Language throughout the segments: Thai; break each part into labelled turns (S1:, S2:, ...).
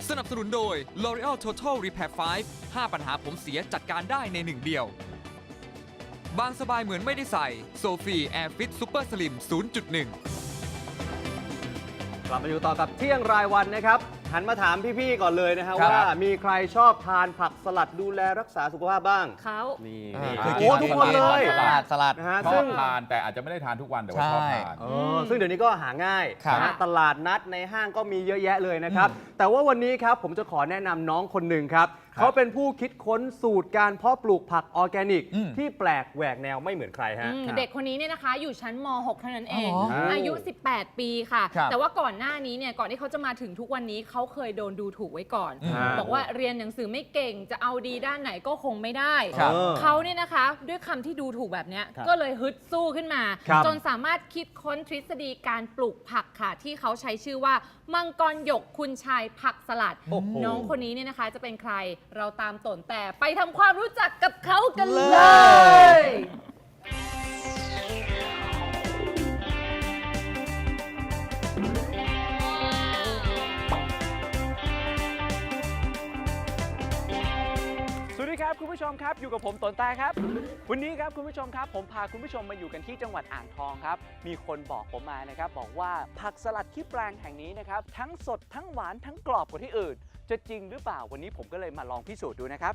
S1: สนับสนุนโดย L'Oreal Total Repair 5 5 ปัญหาผมเสียจัดการได้ในหนึ่งเดียว บางสบายเหมือนไม่ได้ใส่ Sophie Air Fit Super Slim 0.1
S2: กลับมาอยู่ต่อกับเที่ยงรายวันนะครับหันมาถามพี่ๆก่อนเลยนะฮะ
S3: ครับ
S2: ว่ามีใครชอบทานผักสลัดดูแลรักษาสุขภาพบ้าง
S4: เขา
S2: นี่
S3: เคยกิ
S2: โอ้ทุกคนเลย
S3: สลัด
S2: นะฮะ
S5: ชอ
S2: ซึ่
S5: บ
S2: ง
S5: ทานแต่อาจจะไม่ได้ทานทุกวันแต่ว่าชอบทาน
S2: ซึ่งเดี๋ยวนี้ก็หาง่าย
S3: ครับ
S2: นะฮะตลาดนัดในห้างก็มีเยอะแยะเลยนะครับ แต่ว่าวันนี้ครับผมจะขอแนะนำน้องคนหนึ่งครับเขาเป็นผู้คิดค้นสูตรการเพาะปลูกผักออร์แกนิก ที่แปลกแหวกแนวไม่เหมือนใครฮะ
S4: เด็กคนนี้เนี่ยนะคะอยู่ชั้นม .6 เท่านั้นเอง
S3: อ๋อเหรอ
S4: อายุ 18 ปีค่ะ
S3: ครับ
S4: แต่ว่าก่อนหน้านี้เนี่ยก่อนที่เขาจะมาถึงทุกวันนี้เขาเคยโดนดูถูกไว้ก่อน
S2: อ่า
S4: บอกว่าเรียนหนังสือไม่เก่งจะเอาดีด้านไหนก็คงไม่ได้
S3: ครับ
S4: เขาเนี่ยนะคะด้วยคำที่ดูถูกแบบเนี้ย
S2: ครับ
S4: ก็เลยฮึดสู้ขึ้นมา
S2: ครับ
S4: จนสามารถคิดค้นทฤษฎีการปลูกผักค่ะที่เขาใช้ชื่อว่ามังกรหยกคุณชายผักสลัด
S2: โอ้โห
S4: น้องคนนี้เนี่ยนะคะจะเป็นใครเราตามตนแต่ไปทำความรู้จักกับเขากันเลย
S6: สวัสดีครับคุณผู้ชมครับอยู่กับผมตนตาครับ วันนี้ครับคุณผู้ชมครับผมพาคุณผู้ชมมาอยู่กันที่จังหวัดอ่างทองครับมีคนบอกผมมานะครับบอกว่าผักสลัดที่แปลงแห่งนี้นะครับทั้งสดทั้งหวานทั้งกรอบกว่าที่อื่น จะจริงหรือเปล่าวันนี้ผมก็เลยมาลองพิสูจน์ดูนะครับ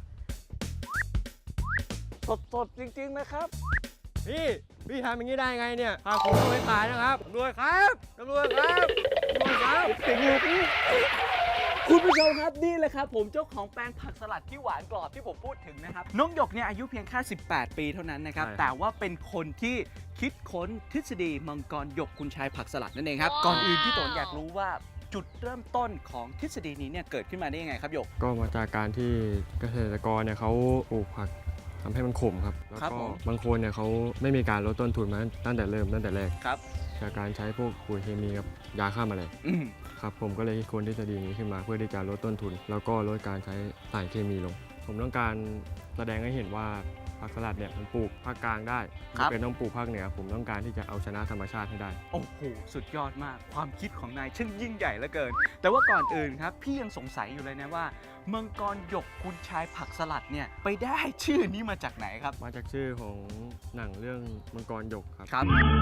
S6: สดจริงๆนะครับ
S7: พี่ทำอย่างนี้ได้ไงเนี่ยพาผมไปขายนะครับตำรวจครับตำรวจครับตำรวจครับ
S6: คุณผู้ชมครับนี่แหละครับผมเจ้าของแปลงผักสลัดที่หวานกรอบที่ผมพูดถึงนะครับน้องหยกเนี่ยอายุเพียงแค่18 ปีเท่านั้นนะครับแต่ว่าเป็นคนที่คิดค้นทฤษฎีมังกรหยกคุณชายผักสลัดนั่นเองครับก่อนอื่นพี่ตนอยากรู้ว่าจุดเริ่มต้นของทฤษฎีนี้เนี่ยเกิดขึ้นมาได้ยังไงครับหยก
S7: ก็มาจากการที่เกษตรกรเนี่ยเขาปลูกผักทำให้มันขมครับแล้ว
S6: ครับ
S7: ก็
S6: ผม
S7: บางคนเนี่ยเขาไม่มีการลดต้นทุนมาตั้งแต่แรก
S6: ครับ
S7: จากการใช้พวกปุ๋ยเคมีกับยาฆ่าแมลง
S6: อืม
S7: ครับผมก็เลยคิดค้นทฤษฎีนี้ขึ้นมาเพื่อที่จะลดต้นทุน แล้วก็ลดการใช้สารเคมีลง ผมต้องการแสดงให้เห็นว่าผักสลัดเนี่ยมันปลูกภาคกลางได้ไม่เป็นต้องปลูกภาคเหนือผมต้องการที่จะเอาชนะธรรมชาติให้ได้
S6: โอ้โหสุดยอดมากความคิดของนายช่างยิ่งใหญ่เหลือเกิน แต่ว่าก่อนอื่นครับพี่ยังสงสัยอยู่เลยนะว่ามังกรหยกคุณชายผักสลัดเนี่ยไปได้ชื่อนี้มาจากไหนครับ
S7: มาจากชื่อของหนังเรื่องมังกรหยกครับ
S6: ครับ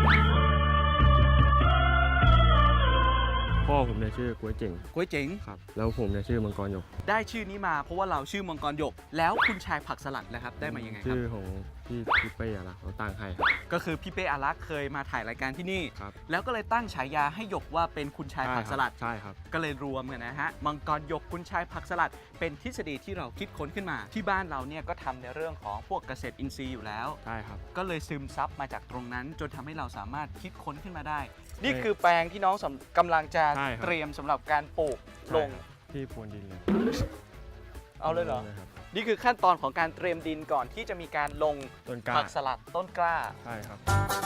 S7: พ่อผมเนี่ยชื่อก๋วยเจ๋ง
S6: ก๋วยเจ๋ง
S7: ครับแล้วผมเนี่ยชื่อมังกรหยก
S6: ได้ชื่อนี้มาเพราะว่าเราชื่อมังกรหยก แล้วคุณชายผักสลัดนะครับได้มายังไงครับ
S7: ชื่อของพี่เป้อะนะเขาตั้งให้ครับ
S6: ก็คือพี่เป้อารักษ์เคยมาถ่ายรายการที่นี่
S7: ครับ
S6: แล้วก็เลยตั้งฉายาให้หยกว่าเป็นคุณชายผักสลัด
S7: ใช่ครับ
S6: ก็เลยรวมกันนะฮะมังกรหยกคุณชายผักสลัด เป็นทฤษฎีที่เราคิดค้นขึ้นมา ที่บ้านเราเนี่ยก็ทำในเรื่องของพวกเกษตรอินทรีย์อยู่แล้ว
S7: ใช่ครับ
S6: ก็เลยซึมซับมาจากตรงนั้น จนทำให้เราสามารถคิดค้นขึ้นมาได้ นี่คือแปลงที่น้องกำลังจะ
S7: ใช่ครับ
S6: เตรียมสำหรับการปลูกลง
S7: ใช่ครับที่พรวนดินเลย
S6: เอาเลยเหรอ
S7: ครับ
S6: นี่คือขั้นตอนของการเตรียมดินก่อนที่จะมีการลง
S7: ต้นกล้า
S6: ผักสลัดต้นกล้า
S7: ใช่ครับ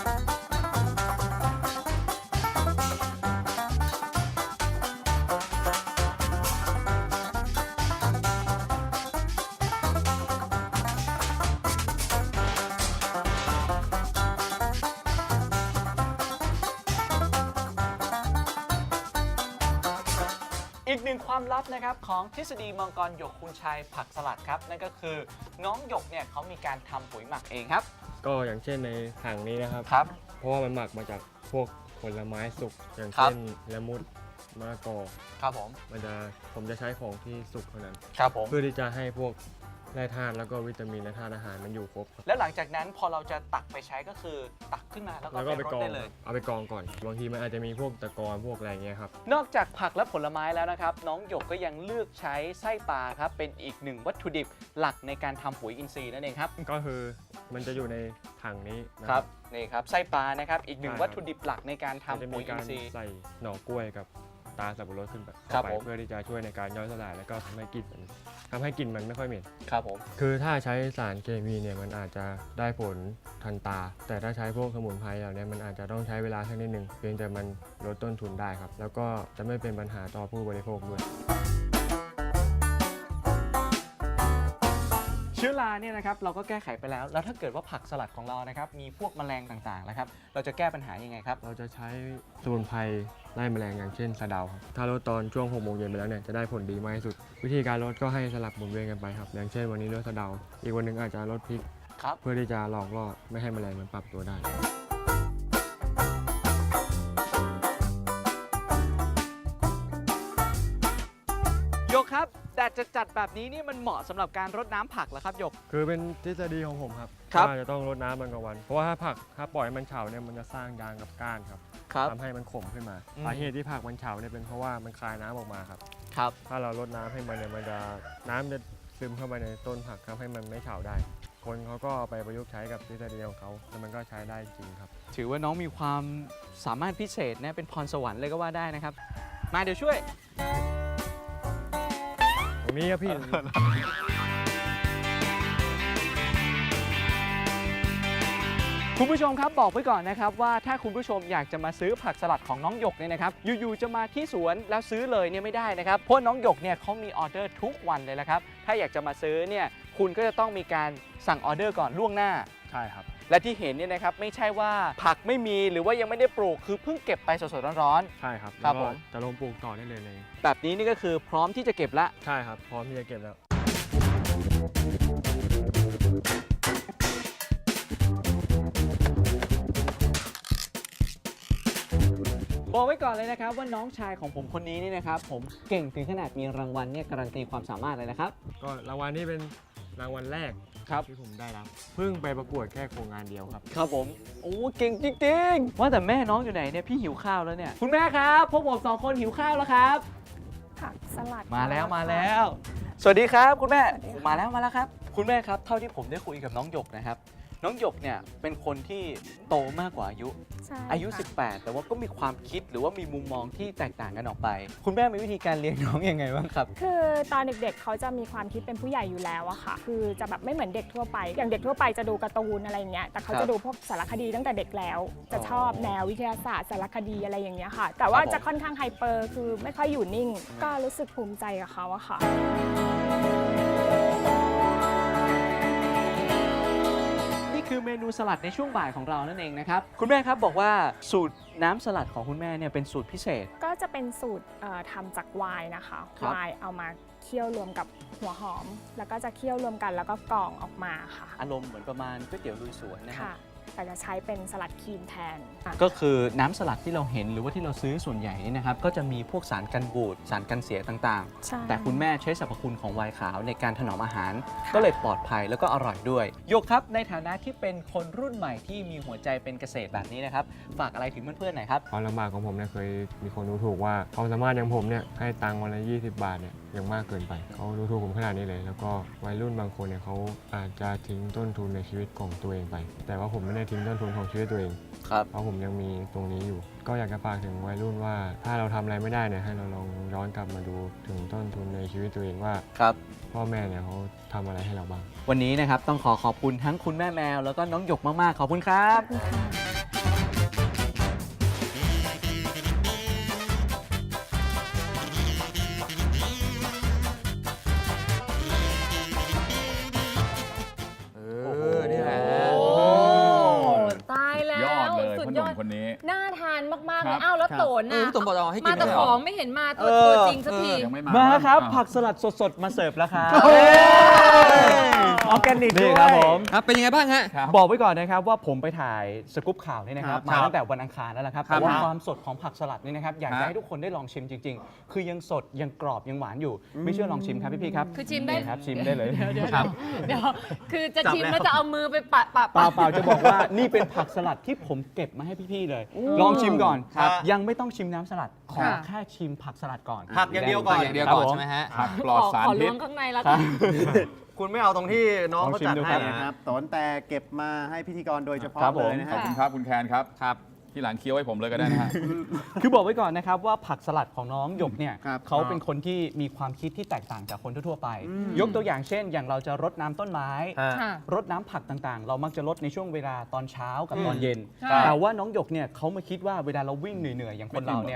S6: อีกหนึ่งความลับนะครับของทฤษฎีมังกรหยกคุณชายผักสลัดครับนั่นก็คือน้องหยกเนี่ยเขามีการทำปุ๋ยหมักเองครับ
S7: ก็อย่างเช่นในถังนี้นะครับ
S6: ครับ
S7: เพราะว่ามันหมักมาจากพวกผลไม้สุกอย่าง
S6: ครับ
S7: เช่นละมุดมะละกอ
S6: ครับผม
S7: ผมจะใช้ของที่สุกเท่านั้น
S6: ครับผม
S7: เพื่อที่จะให้พวกแร่ธาตุแล้วก็วิตามินและธาตุอาหารมันอยู่ครบครับ
S6: แล้วหลังจากนั้นพอเราจะตักไปใช้ก็คือตักขึ้นมาแล้วก็
S7: แล้วก็
S6: ไป
S7: ไป
S6: รด
S7: กรอง
S6: ได้เลย
S7: เอาไปกรองก่อนบางทีมันอาจจะมีพวกตะกอนพวกอะไรเงี้ยครับ
S6: นอกจากผักและผลไม้แล้วนะครับ น้องหยกก็ยังเลือกใช้ไส้ปลาครับเป็นอีกหนึ่งวัตถุดิบหลักในการทำปุ๋ยอินทรีย์นั่นเองครับ
S7: ก็คือมันจะอยู่ในถังนี้นะ
S6: นี่ครับไส้ปลานะครับอีกหนึ่ง
S7: ใช่ครับ
S6: วัตถุดิบหลักในการ
S7: มัน
S6: ทำ
S7: จะ
S6: ปุ๋
S7: มี
S6: ยอิ
S7: กาน ร
S6: ทรีย์
S7: ใส่หน่อกล้วยกับตาสับปะรดขึ้นไป
S6: ครับ
S7: เข้าไป
S6: ผม
S7: เพื่อที่จะช่วยในการย่อยสลายแล้วก็ทำให้กลิ่นมันไม่ค่อยเหม็น
S6: ครับผม
S7: คือถ้าใช้สารเคมีเนี่ยมันอาจจะได้ผลทันตา แต่ถ้าใช้พวกสมุนไพรเหล่านี้มันอาจจะต้องใช้เวลาสักนิดหนึ่งเพียงแต่มันลดต้นทุนได้ครับ แล้วก็จะไม่เป็นปัญหาต่อผู้บริโภคด้วย
S6: เชื้อราเนี่ยนะครับเราก็แก้ไขไปแล้ว แล้วถ้าเกิดว่าผักสลัดของเรานะครับมีพวกแมลงต่างๆนะครับเราจะแก้ปัญหายังไงครับ
S7: เราจะใช้สมุนไพรไล่แมลงอย่างเช่นสะเดาครับถ้าลดตอนช่วง6 โมงเย็นไปแล้วเนี่ยจะได้ผลดีมากที่สุด วิธีการลดก็ให้สลับหมุนเวียนกันไปครับอย่างเช่นวันนี้ลดสะเดา อีกวันหนึ่งอาจจะลดพริก
S6: ครับ
S7: เพื่อที่จะหลอกล่อไม่ให้แมลงมันปรับตัวได้
S6: หยกครับแดดจัดๆแบบนี้นี่มันเหมาะสำหรับการรดน้ำผักเหรอครับหยก
S7: คือเป็นทฤษฎีของผมครับ
S6: ครับ
S7: ว่าจะต้องรดน้ำมันกลางวัน เพราะว่าถ้าปล่อยให้มันเฉาเนี่ยมันจะสร้างยางกับก้านครับ
S6: ครับ
S7: ทำให้มันขมขึ้นมา
S6: อืม
S7: สาเหตุที่ผักมันเฉาเนี่ยเป็นเพราะว่ามันคายน้ำออกมาครับ
S6: ครับ
S7: ถ้าเรารดน้ำให้มันเนี่ยมันจะน้ำจะซึมเข้าไปในต้นผักทำให้มันไม่เฉาได้ คนเขาก็เอาไปประยุกต์ใช้กับทฤษฎีของเขาแล้วมันก็ใช้ได้จริงครับ
S6: ถือว่าน้องมีความสามารถพิเศษนะเป็นพรสวรรค์เลยก็ว่าได้นะครับมาเดี๋ยวช่วย
S7: ตรงนี้ครับพี่
S6: คุณผู้ชมครับบอกไว้ก่อนนะครับว่าถ้าคุณผู้ชมอยากจะมาซื้อผักสลัดของน้องหยกเนี่ยนะครับอยู่ๆจะมาที่สวนแล้วซื้อเลยเนี่ยไม่ได้นะครับเพราะน้องหยกเนี่ยเขามีออเดอร์ทุกวันเลยนะครับถ้าอยากจะมาซื้อเนี่ยคุณก็จะต้องมีการสั่งออเดอร์ก่อนล่วงหน้า
S7: ใช่ครับ
S6: และที่เห็นเนี่ยนะครับไม่ใช่ว่าผักไม่มีหรือว่ายังไม่ได้ปลูกคือเพิ่งเก็บไปสดๆร้อน
S7: ใช่ครับ
S6: ครับ
S7: แล้วก็
S6: ผม
S7: จะลงปลูกต่อได้เลย
S6: ๆแบบนี้นี่ก็คือพร้อมที่จะเก็บละ
S7: ใช่ครับพร้อมที่จะเก็บแล้ว
S6: บอกไว้ก่อนเลยนะครับว่าน้องชายของผมคนนี้นี่นะครับผมเก่งถึงขนาดมีรางวัลเนี่ยการันตีความสามารถเลยนะครับ
S7: ก็รางวัลนี้เป็นรางวัลแรก
S6: ครับ
S7: ที่ผมได้รับเพิ่งไปประกวดแค่โครงงานเดียวครับ
S6: ครับผมโอ้เก่งจริงๆว่าแต่แม่น้องอยู่ไหนเนี่ยพี่หิวข้าวแล้วเนี่ยคุณแม่ครับพวกผม2 คนหิวข้าวแล้วครับ
S3: ผักสลัด
S6: มาแล้ว
S3: ค่ะ
S6: มาแล้ว สวัสดีครับคุณแม่มาแล้วครับ คุณแม่ครับเท่าที่ผมได้คุยกับน้องหยกนะครับน้องหยกเนี่ยเป็นคนที่โตมากกว่าอายุ
S3: ใช่
S6: อายุ
S3: ค่ะ
S6: 18 แต่ว่าก็มีความคิดหรือว่ามีมุมมองที่แตกต่างกันออกไป คุณแม่มีวิธีการเลี้ยงน้องยังไงบ้างครับ
S3: คือตอนเด็กๆเขาจะมีความคิดเป็นผู้ใหญ่อยู่แล้วอะค่ะ คือจะแบบไม่เหมือนเด็กทั่วไป อย่างเด็กทั่วไปจะดูการ์ตูนอะไรอย่างเงี้ย แต่เขา
S6: ครับ
S3: จะดูพวกสารคดีตั้งแต่เด็กแล้ว จะ
S6: อ๋อ
S3: ชอบแนววิทยาศาสตร์สารคดีอะไรอย่างเงี้ยค่ะ แต่ว่า
S6: ครับผม
S3: จะค่อนข้างไฮเปอร์ คือไม่ค่อยอยู่นิ่ง ก็รู้สึกภูมิใจกับเขาอะค่ะ
S6: นี่คือเมนูสลัดในช่วงบ่ายของเรานั่นเองนะครับคุณแม่ครับบอกว่าสูตรน้ำสลัดของคุณแม่เนี่ยเป็นสูตรพิเศษ
S3: ก็จะเป็นสูตรทำจากไวน์นะคะ
S6: ครับ
S3: ไวน์เอามาเคี่ยวรวมกับหัวหอม แล้วก็จะเคี่ยวรวมกันแล้วก็กรองออกมาค่ะ
S6: อารมณ์เหมือนประมาณก๋วยเตี๋ยวลุยสวนนะครับ
S3: ค่ะ แต่จะใช้เป็นสลัดครีมแทนค่ะ
S6: ก็คือน้ำสลัดที่เราเห็นหรือว่าที่เราซื้อส่วนใหญ่นี่นะครับก็จะมีพวกสารกันบูดสารกันเสียต่าง
S3: ใช่
S6: ๆ แต่คุณแม่ใช้สรรพคุณของไวน์ขาวในการถนอมอาหาร
S3: ค่ะ
S6: ก็เลยปลอดภัยแล้วก็อร่อยด้วยโยกครับในฐานะที่เป็นคนรุ่นใหม่ที่มีหัวใจเป็นเกษตรแบบนี้นะครับฝากอะไรถึงเพื่อนๆหน่อยครับ
S7: ความลำบากของผมเนี่ยเคยมีคนดูถูกว่าความสามารถอย่างผมเนี่ยให้ตังค์วันละ20 บาทเนี่ยยังมากเกินไปเขาดูถูกผมขนาดนี้เลย แล้วก็วัยรุ่นบางคนเนี่ยเขาอาจจะทิ้งต้นทุนในชีวิตของตัวเองไป แต่ว่าผมไม่ได้ทิ้งต้นทุนของชีวิตตัวเอง
S6: ครับ
S7: เพราะผมยังมีตรงนี้อยู่ ก็อยากจะฝากถึงวัยรุ่นว่า ถ้าเราทำอะไรไม่ได้เนี่ยให้เราลองย้อนกลับมาดูถึงต้นทุนในชีวิตตัวเองว่า
S6: ครับ
S7: พ่อแม่เนี่ยเขาทำอะไรให้เราบ้าง
S6: วันนี้นะครับต้องขอบคุณทั้งคุณแม่แมวแล้วก็น้องหยกมากๆขอบคุณครับ
S1: นี่แหละ
S4: โอ้ตายแล้ว
S5: ยอดเลย
S4: สุ
S5: พ่
S4: ด
S5: อห
S4: ย
S5: นุ่
S4: อด
S5: มคนนี้
S4: น่าทานมากๆ
S5: ค
S4: เล
S5: รั
S4: ย
S5: บ
S4: อ้าวแล้วโตน
S1: พี่
S4: น่ะ
S1: ตุ่มบอกเอาให้กิ
S4: มาน แต่
S1: ไม่ใช่
S4: ข
S1: เหร
S4: องไม่เห็นมาตัวจริงสักที
S5: ยังไม่มา
S6: มาครับ
S5: อ้าว
S6: ผักสลัดสดๆ มาเสิร์ฟแล้วครับ
S2: อ
S6: อ
S2: อร์แกนิก
S6: นี่
S2: ด้วย
S6: ครับผม
S1: ครับเป็นยังไงบ้างฮะ
S5: ครับ
S6: บอกไว้ก่อนนะครับว่าผมไปถ่ายสกู๊ปข่าวนี่นะครับ
S5: ครับ
S6: มาตั้งแต่วันอังคารแล้วละครับ
S5: ครับ
S6: แต่ว่า
S5: ครับ
S6: ความสดของผักสลัดนี่นะครับอยากจะ
S5: ฮะ
S6: ให้ทุกคนได้ลองชิมจริง ๆ คือยังสดยังกรอบยังหวานอยู่ ไม่เชื่อลองชิมครับพี่ๆครับ
S4: คือชิมได้
S6: นี่ครับชิมได้เลย
S5: ครับ
S4: เดี๋ยวคือจะ
S2: จับ
S4: ชิม
S2: แล้ว
S4: แล้วจะเอามือไปปะ
S6: เปล่าๆจะบอกว่านี่เป็นผักสลัดที่ผมเก็บมาให้พี่ๆเลย ลองชิมก่อน
S2: ครับ
S6: ยังไม่ต้องชิมน้ำสลัดขอ
S4: ค่ะ
S6: แค่ชิมผักสลัดก่อน
S2: ผักอย่างเดียวก่อน
S1: อย่างเดียว
S6: ครับ
S1: ก่อน
S6: ผม
S1: ใช่ไหมฮะ
S5: ผักปลอดสาร
S4: ขอ
S5: พิ
S4: ล้ว
S5: ษ
S4: งข้างในแล้ว
S6: ค
S4: กั
S6: รั
S4: น
S6: บ
S2: คุณไม่เอาตรงที่น้อง
S6: ลอง
S2: เขา
S6: ชิม
S2: จัด
S6: ดู
S2: ให้
S6: ครับ
S2: นะ
S8: ครับตนแต่เก็บมาให้พิธีกรโดยเฉพาะ
S6: ครับผม
S8: เลยนะ
S5: ขอบ
S8: ฮะ
S5: คุณครับคุณแคนครับ
S1: ครับ
S5: ที่หลังเคี้ยวให้ผมเลยก็ได้นะฮะ
S6: คือบอกไว้ก่อนนะครับว่าผักสลัดของน้องหยกเนี่ย
S8: ครับ
S6: เขาเป็นคนที่มีความคิดที่แตกต่างจากคนทั่วๆไป ยกตัวอย่างเช่น อย่างเราจะรดน้ำต้นไม้
S4: ค่ะ
S6: รดน้ำผักต่างๆ เรามักจะรดในช่วงเวลาตอนเช้ากับตอนเย็น
S4: ใช่
S6: แต่ว่าน้องหยกเนี่ยเขามาคิดว่าเวลาเราวิ่งเหนื่อยๆอย่างคนเราเนี่ย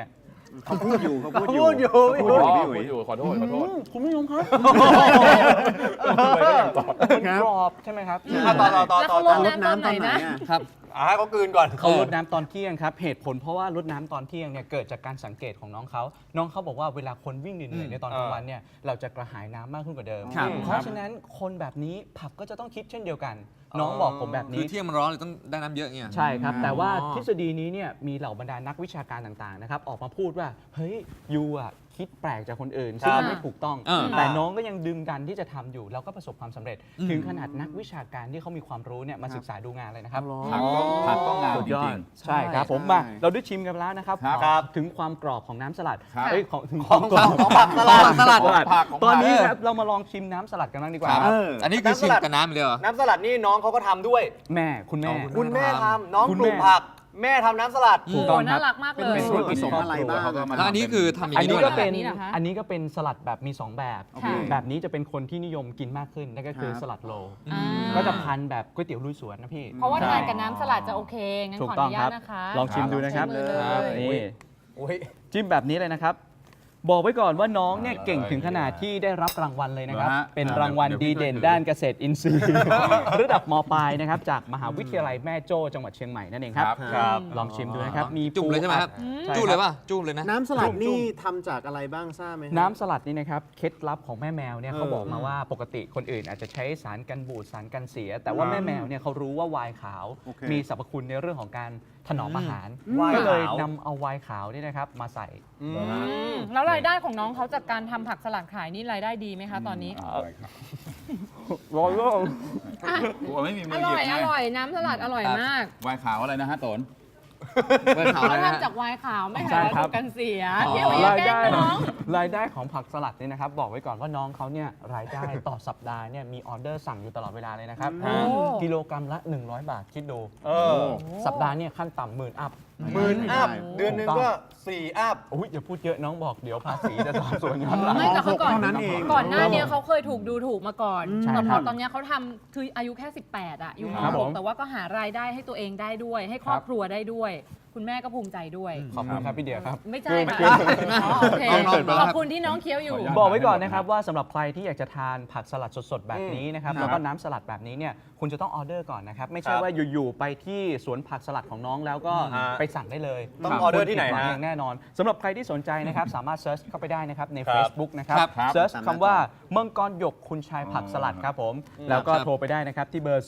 S8: เขาพูดอยู่เขาพูด
S2: พูดอยู่
S8: เขาพูดอยู่พี่อุ๋ย
S5: อยู่ขอโทษขอโทษ
S6: คุณผู้ชมครับ
S5: ไปก็ยังตอบ
S6: มันกรอบใช่ไหมครับ
S2: ต่อ
S4: แล้วเขาลดน้ำตอนไหนนะ
S8: ครับ
S2: ให้เขากลืนก่อน
S6: เขาลดน้ำตอนเที่ยงครับเหตุผลเพราะว่าลดน้ำตอนเที่ยงเนี่ยเกิดจากการสังเกตของน้องเขาบอกว่าเวลาคนวิ่งเหนื่อยๆในตอนกลางวันเนี่ยเราจะกระหายน้ำมากขึ้นกว่าเดิม
S2: ครับ
S6: เพราะฉะนั้นคนแบบนี้ผับก็จะต้องคิดเช่นเดียวกัน น้องบอกผมแบบ
S1: คือ
S6: นี้
S1: เที่ยงมันร้อนเลยต้องได้น้ำเยอะเงี้ย
S6: ใช่ครับ แต่ว่าทฤษฎีนี้เนี่ยมีเหล่าบรรดานักวิชาการต่างๆนะครับออกมาพูดว่าเฮ้ยยูอ่ะคิดแปลกจากคนอื่นซึ่งมันไม่ถูกต้อง แต่น้องก็ยังดึงดันที่จะทำอยู่แล้วก็ประสบความสำเร็จ ถึงขนาดนักวิชาการที่เขามีความรู้เนี่ยมาศึกษาดูงานเลยนะครับ
S5: ผักก็งาม
S6: สุด
S5: จ
S6: ยอ
S5: ริ
S6: ด
S5: ง
S6: ใช่ครับผมมาเราได้ชิมกันแล้วนะครับ
S5: ครับ
S6: ถึงความกรอบของน้ำสลัด
S5: ครับ
S6: เอ้ยถึงความกรอบ
S2: ของผักสลัด
S6: สลัด
S5: ของผักของผัก
S6: ตอนนี้ครับเรามาลองชิมน้ำสลัดกันบ้างดีกว่า
S5: ครับ
S1: อันนี้คือชิมกับน้ำเลยเหรอ
S2: น้ำสลัดนี่น้องเขาก็ทำด้วย
S6: แม่คุณแม่
S2: คุณแม่ทำน้อง
S6: คุณ
S2: ปลู
S6: แม่
S2: กผัก แม่ทำน้ำสลัด
S6: ถูก
S4: โอ้
S6: ต้อง
S4: น่า
S6: ค
S4: รั
S6: รับ
S4: กมากเล
S8: เป็น
S4: ย
S8: ส่วนผสมอะไรบ้าง
S5: เขาก็มา
S1: แล้วอันนี้คือทำอย่าง
S6: อัน
S1: นี้
S6: นี้
S1: ด้วย
S6: ก็
S1: เหรอ
S6: เป็น
S4: แบบนี้เหรอคะ
S6: อันนี้ก็เป็นสลัดแบบมี 2 แบบ
S4: ค่ะ
S6: แบบนี้จะเป็นคนที่นิยมกินมากขึ้นนั่นก็คือ
S8: ครับ
S6: สลัดโล
S4: อ่า
S6: ก็จะพันแบบก๋วยเตี๋ยวลุยสวนนะพี่
S4: เพราะว่าทานกับน้ำสลัดจะโอเค งั้น
S6: ถูก
S4: ขออ
S6: ต้อง
S4: นุ
S6: ค
S4: ญา
S6: รั
S4: ต
S6: บ
S4: นะคะ
S6: ลองชิมดูนะครับ
S4: ชิมเลย
S6: นี่
S2: อุ้ย
S6: จิ้มแบบนี้เลยนะครับ บอกไว้ก่อนว่าน้องเนี่ยเก่งถึงขนาดที่ได้รับรางวัลเลยนะครับ
S5: เหรอฮะ
S6: เป็นรางวัล
S5: เดี๋ยวพี่
S6: ดีเด่น
S5: ช่วยถือ
S6: ด้านเกษตรอินทรีย์ ระดับมปลายนะครับจากมหาวิทยาลัยแม่โจ้จังหวัดเชียงใหม่นั่นเองครับ
S2: ครับ
S6: ลองชิมดูนะครับมี
S1: จุ่มเลยใช่ไหมครับ
S6: ใช่
S1: จุ่มเลยป่ะ จุ่มเลยนะ
S8: น้ำสลัดนี่ทำจากอะไรบ้างทราบไหมครับ
S6: น้ำสลัดนี่นะครับเคล็ดลับของแม่แมวเนี่ย
S8: เออ
S6: เขาบอกมาว่าปกติคนอื่นอาจจะใช้สารกันบูดสารกันเสีย แต่ว่าแม่แมวเนี่ยเขารู้ว่าไวน์ขาว
S8: โอเค
S6: มีสรรพคุณในเรื่องของการถนอมอาหาร
S2: ไวน์ขาว
S6: ก็เลยนำเอาไวน์ขาวนี่นะครับมาใส่
S4: แล้วรายได้ของน้องเขาจากการทำผักสลัดขายนี่รายได้ดีไหมคะตอนนี้
S6: ร้อยโล
S5: กลัวไม่มีมื
S4: อ
S5: อห
S4: ร่
S5: ยิ
S4: อบ ย
S5: ไง
S4: อร่อยน้ำสลัดอร่อยมาก
S5: วายขาวอะไรนะฮะโตน
S1: เปิดข่าว
S4: เขา
S1: เลยนะฮะ
S4: ทำจากไวน์ขาวไม่
S6: ใช่
S4: ใช่
S6: ครับ
S4: ถูกกันเสีย
S5: อ๋อ
S4: เดี๋ยวอย่าร
S6: าย
S4: แกล้
S6: ได้
S4: งน้อง
S6: รายได้ของผักสลัดนี่นะครับบอกไว้ก่อนว่าน้องเขาเนี่ยรายได้ต่อสัปดาห์เนี่ยมีออเดอร์สั่งอยู่ตลอดเวลาเลยนะครับ
S4: โอ้
S6: กิโลกรัมละ 100 บาทคิดดู
S2: อ
S6: สัปดาห์เนี่ยขั้นต่ำหมื่นอัพ
S2: หมื่นอัพ
S8: ได้
S2: เดือนหนึงก็4 อัพ
S6: อุ้ยอย่าพูดเยอะน้องบอกเดี๋ยวภาษีจะสอบสวนย้อนหลัง
S4: ไม่แต่เขาก่อน
S8: เท่านั้นเอง
S4: ก่อนหน้าเนี้เขาเคยถูกดูถูกมาก่อน
S6: ใช่
S4: แต่
S6: ค
S4: พ
S6: รั
S4: อบ ตอนเนี้ยเขาทำคืออายุแค่ 18 อ่ะอยู่ม
S6: ครับผม
S4: .6 แต่ว่าก็หารายได้ให้ตัวเองได้ด้วย ให้ครอบครัวได้ด้วย คุณแม่ก็ภูมิใจด้วย
S6: ขอบคุณครับพี่เดียครับ
S4: ไม่ใช่ค่ะ
S6: เกิน
S4: อ๋อโอเค
S1: น้องๆ
S4: ขอบคุณที่น้องเคี้ยวอยู่
S6: บอกไว้ก่อนนะครับว่าสำหรับใครที่อยากจะทานผักสลัดสดๆ แบบนี้นะครับแล้วก็น้ำสลัดแบบนี้เนี่ยคุณจะต้องออเดอร์ก่อนนะครับ ไม่ใช่
S2: ครับ
S6: ว่าอยู่ๆไปที่สวนผักสลัดของน้องแล้วก็ ไปสั่งได้เลย
S2: ต้องออเดอร์ที่ไหน
S6: คุณผิดวัง
S2: ฮะ
S6: อย่างแน่นอนสำหรับใครที่สนใจนะครับ สามารถเซิร์ชเข้าไปได้นะครับใน
S2: ครับ
S6: Facebook นะครับ
S5: ครับ
S6: เซิร์ช
S8: ตามหน้า
S6: คำว่ามังกรหยกคุณชายผักสลัดครับผม แล้วก็
S1: ครับ
S6: โทรไปได้นะครับที่เบอร์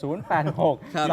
S6: 086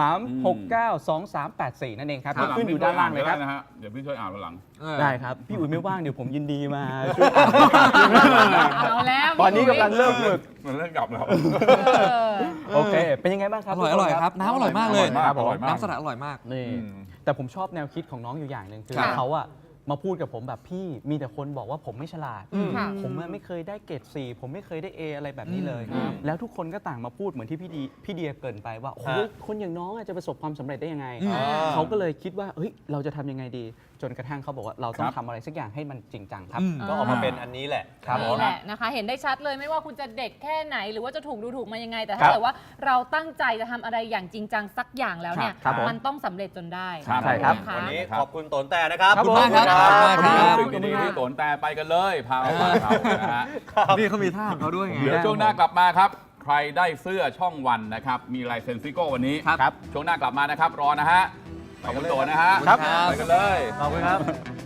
S6: 369 2384 นั่นเองครับที่ขึ้นอยู่ด้านล่างเลยครับ
S5: นะฮะเดี๋ยวพี่ช่วยอ่านวันหลัง
S6: ได้ครับ พี่อุ๋ยไม่ว่างเดี๋ยวผมยินดีมาช่วย
S4: เอาแล้ว
S6: ตอนนี้กำลังเริ่มฝึก
S5: มันเริ่มกลับแล้ว
S6: โอเค เป็นยังไงบ้างค
S1: อ
S6: รับ
S1: ร่อย
S6: ทุ
S1: อก
S6: คน
S1: ร่อยครับ น้ำอร่อยมากเลย
S5: ครับผม
S1: น้ำสลัดอร่อยมาก
S6: นี่
S5: อืม
S6: แต่ผมชอบแนวคิดของน้องอยู่อย่างหนึ่งคือ
S4: ค่ะ
S6: เขาอะมาพูดกับผมแบบพี่มีแต่คนบอกว่าผมไม่ฉลาด
S4: ค่ะ
S6: ผมอะไม่เคยได้เกรด4ผมไม่เคยได้ A อะไรแบบนี้เลย
S4: อืม
S6: แล้วทุกคนก็ต่างมาพูดเหมือนที่พี่เดียเกรินไปว่าโอ้ยคนอย่างน้องอะจะประสบความสำเร็จได้ยังไง เขาก็เลยคิดว่าเฮ้ยเราจะทำยังไงดี จนกระทั่งเขาบอกว่าเราต้อง
S5: ครับ
S6: ทำอะไรสักอย่างให้มันจริงจังครับ
S2: ก็ออกมาเป็นอันนี้แหละ
S6: ครับ
S4: นี่แหละนะคะ เห็นได้ชัดเลยไม่ว่าคุณจะเด็กแค่ไหน หรือว่าจะถูกดูถูกมายังไง แต่
S6: ครั
S4: ถ้า
S6: บ
S4: เกิดว่าเราตั้งใจจะทำอะไรอย่างจริงจังสักอย่างแล้วเนี่ย
S6: ครับผม
S4: มันต้องสำเร็จจนได้
S5: ครับ
S6: ใช่ครับ
S4: นะะ
S2: วันนี้ขอบคุณโตนแต่นะครับ
S6: ครับผม
S1: ขอบคุณมากครับ
S2: ขอบคุณ
S1: ขอบคุณมาก
S5: สิ่งดีๆที่โตนแต่ไปกันเลย พาไปเขานะฮะ
S1: นี่เขามีท่าของเขาด้วยไง
S5: เดี๋ยวช่วงหน้ากลับมาครับ ใครได้เสื้อช่องวันนะครับ มีลายเซ็นซิโก้วันนี้
S6: ครับ
S5: ช่วงหน้ากลับมานะครับ รอนะฮะ ขอบคุณโตนะฮะ
S6: ครับ
S5: ไปกันเลย
S2: ขอบคุณครับ